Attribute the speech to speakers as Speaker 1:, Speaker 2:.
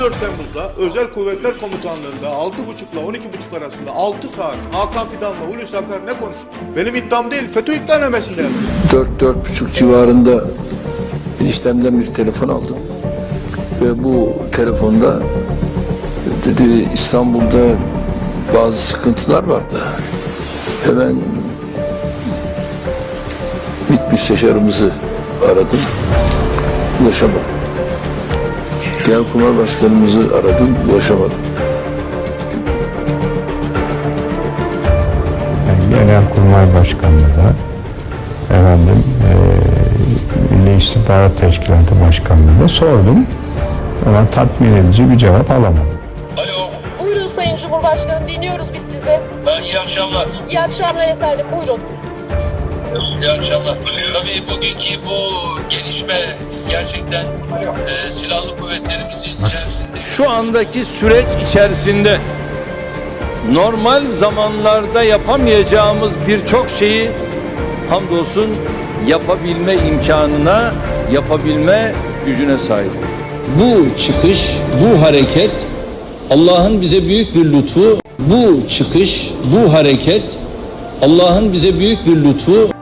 Speaker 1: 14 Temmuz'da Özel Kuvvetler Komutanlığı'nda 6.30 ile 12.30 arasında 6 saat Hakan Fidan'la Hulusi Akar ne konuştu? Benim iddiam değil, FETÖ iddianamesinde.
Speaker 2: 4-4.30 civarında eniştemden bir telefon aldım. Ve bu telefonda dedi İstanbul'da bazı sıkıntılar vardı. Hemen MİT müsteşarımızı aradım. Ulaşamadım. Genelkurmay Başkanımızı aradım. Ulaşamadım.
Speaker 3: Genelkurmay Başkanı'na da Milli İstihbarat Teşkilatı Başkanı'na da sordum. Ama tatmin edici bir cevap alamadım.
Speaker 4: Alo.
Speaker 5: Buyurun Sayın Cumhurbaşkanım, dinliyoruz biz sizi.
Speaker 4: İyi akşamlar.
Speaker 5: İyi akşamlar efendim, buyurun.
Speaker 4: İyi akşamlar. Tabii bugünkü bu gelişme gerçekten silahlı kuvvetlerimizin içerisinde...
Speaker 6: Şu andaki süreç içerisinde normal zamanlarda yapamayacağımız birçok şeyi hamdolsun yapabilme imkanına, yapabilme gücüne sahip. Bu çıkış, bu hareket Allah'ın bize büyük bir lütfu. Bu çıkış, bu hareket Allah'ın bize büyük bir lütfu.